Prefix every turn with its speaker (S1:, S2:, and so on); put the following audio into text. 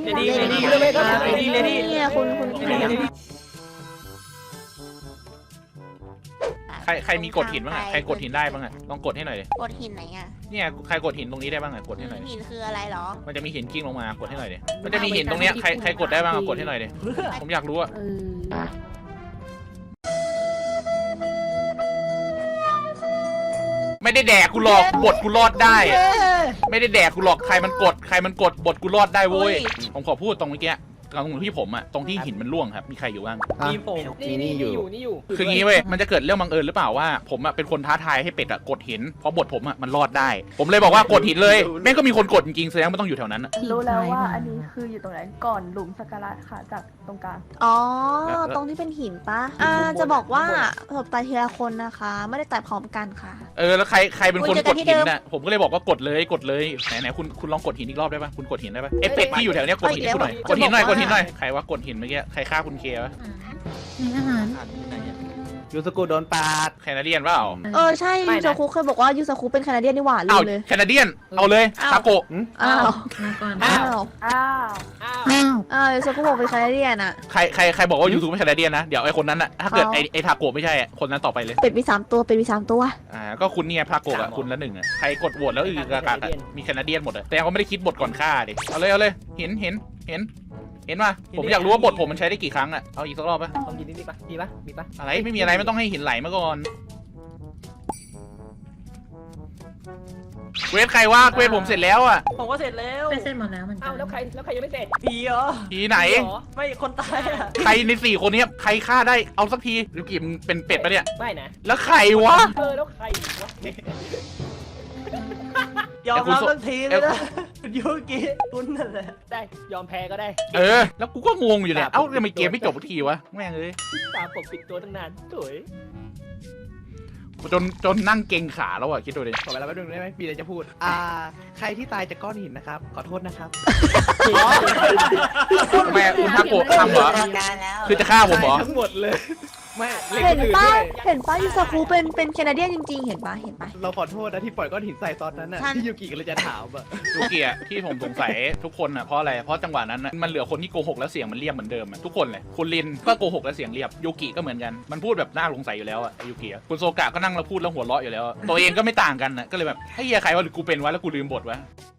S1: เนี่ยคุณ
S2: ใครมีกดหินบ้างอ่ะใครกดหินได้บ้างอ่ะลองกดให้หน่อยดิ
S1: กดหินไหนอ่ะ
S2: เนี่ยใครกดหินตรงนี้ได้บ้างอ่ะกดให้หน่อยดิ
S1: หินคืออะไรหรอ
S2: มันจะมีหินกิ้งลงมากดให้หน่อยดิมันจะมีหินตรงเนี้ยใครกดได้บ้างกดให้หน่อยดิผมอยากรู้อ่ะไม่ได้แดกกูหลอกบทกูรอดได้ไม่ได้แดกกูหลอกใครมันกดบทกูรอดได้เว้ยผมขอพูดตรงเมื่อกี้ตรงที่ผมอะตรงที่หินมันร่วงครับมีใครอยู่บ้าง
S3: มีผมนี่อยู่
S2: คืองี้เว้ยมันจะเกิดเรื่องบังเอิญหรือเปล่าว่าผมอะเป็นคนท้าทายให้เป็ดอะกดหินเพราะบทผมอะมันรอดได้ ผมเลยบอกว่ากดหินเลยแม่งก็มีคนกดจริงๆแสดงว่าต้องอยู่แถวนั้น
S4: รู้แล้วว่าอันนี้คืออยู่ตรงไหนก่อนหลุมสักการะค่ะจากตรงกลาง
S1: อ๋อตรงที่เป็นหินปะจะบอกว่าผมตายทีละคนนะคะ ไม่ได้ตายพร้อมกันค่ะ
S2: แล้วใครเป็นคนกดหินน่ะผมก็เลยบอกว่ากดเลยไหนคุณลองกดหินอีกรอบได้ปะคุณกดหินได้ปะไอเป็ดที่อยู่แถวเนี้ยกดหินให้คุณหน่อยกดหินหน่อยใครว่ากดหินเมื่อกี้ใครฆ่าคุณเควะ
S5: อาหาร
S3: ยูสกุโดนปาด
S2: แคนาเดียนเปล่า
S1: ใช่ยูซาคุเคยบอกว่ายูซาคุเป็นแคนาเดียนนี่หว่าลื
S2: เอา
S1: มเลย
S2: แคนาเดียนเอาเลยทาโกะ
S1: อ้าว
S5: มาก่อน
S1: อ้าว
S4: อ้าว
S1: ยูซาคุบอกเป็นแคนาเดียนอะ
S2: ใครบอกว่ายูทูบเป็นแคนาเดียนนะเดี๋ยวไอคนนั้นอะถ้าเกิดไอทาโกะไม่ใช่คนนั้นต่อไปเลย
S1: เป็ดมี3 ตัวเป็ดมี3 ตัว
S2: ก็คุณเนี่ยทาโกะอะคุณละ1อะใครกดโหวตแล้วกากามีแคนาเดียนหมดอะแต่เขาไม่ได้คิดบทก่อนฆ่าดิเอาเลยเห็นป่ะผมอยากรู้ว่าบทผมมันใช้ได้กี่ครั้งอะเอาอีกสักรอบป่ะ
S3: ลองยินนี่ปะมีปะ
S2: อะไรไม่มีอะไรไม่ต้องให้หินไหลมาก่อนเควสใครว่าเควสผมเสร็จแล้วอะ
S6: ผมก็เสร็จแล้ว
S5: ไปเส้นหมดแล้วเหมือนกั
S3: อ้าวน แล้วใครยังไม่เสร็จ
S6: ผีเหรอ
S2: ทีไหน
S6: ไม่คนตายอ่ะ
S2: ใครใน4คนนี้ใครฆ่าได้เอาสักทีหรือกี่มึงเป็นเป็ดปะเนี่ย
S3: ไม่นะ
S2: แล้วใครวะ
S3: แล้วใครวะ
S6: ยอมรับทันทีเลยนะยูกิคุณนั่นแหละ
S3: ได้ยอมแพ้ก็ได้
S2: แล้วกูก็งงอยู่เนี่ยเอ้าทำไมเกมไม่จบสักทีวะแม่งเลย
S3: ตามปกปิดตัวตั้งนานสวย
S2: จนนั่งเก่งขาแล้วอะคิดดูดิ
S3: ขอเวลาแป๊บนึงได้ไหมมีอะไรจะพูดใครที่ตายจากก้อนหินนะครับขอโทษนะครับ
S2: แม่คุณทาโกะทำเหรอคือจะฆ่าผมเหรอ
S3: ทั้งหมดเลยไม่
S1: เห็นป้ายูซาคุเป็นแคนาเดียนจริงๆเห็นปะ
S3: เราขอโทษนะที่ปล่อยก้อนหินใส่ตอนนั้นน่ะที่ยูกิก็เลยจะถามอ่ะ
S2: ยูกิอะที่ผมสงสัยทุกคนอะเพราะอะไรเพราะจังหวะนั้นมันเหลือคนที่โกหกแล้วเสียงมันเรียบเหมือนเดิมอะทุกคนเลยคุณลินก็โกหกแล้วเสียงเรียบยูกิก็เหมือนกันมันพูดแบบน่าสงสัยอยู่แล้วอะยูกิคุณโซกะก็นั่งแล้วพูดแล้วหัวเราะอยู่แล้วตัวเองก็ไม่ต่างกันนะก็เลยแบบให้เฮียใครวะหรือกูเป็นวะแล้วกูลืมบทวะ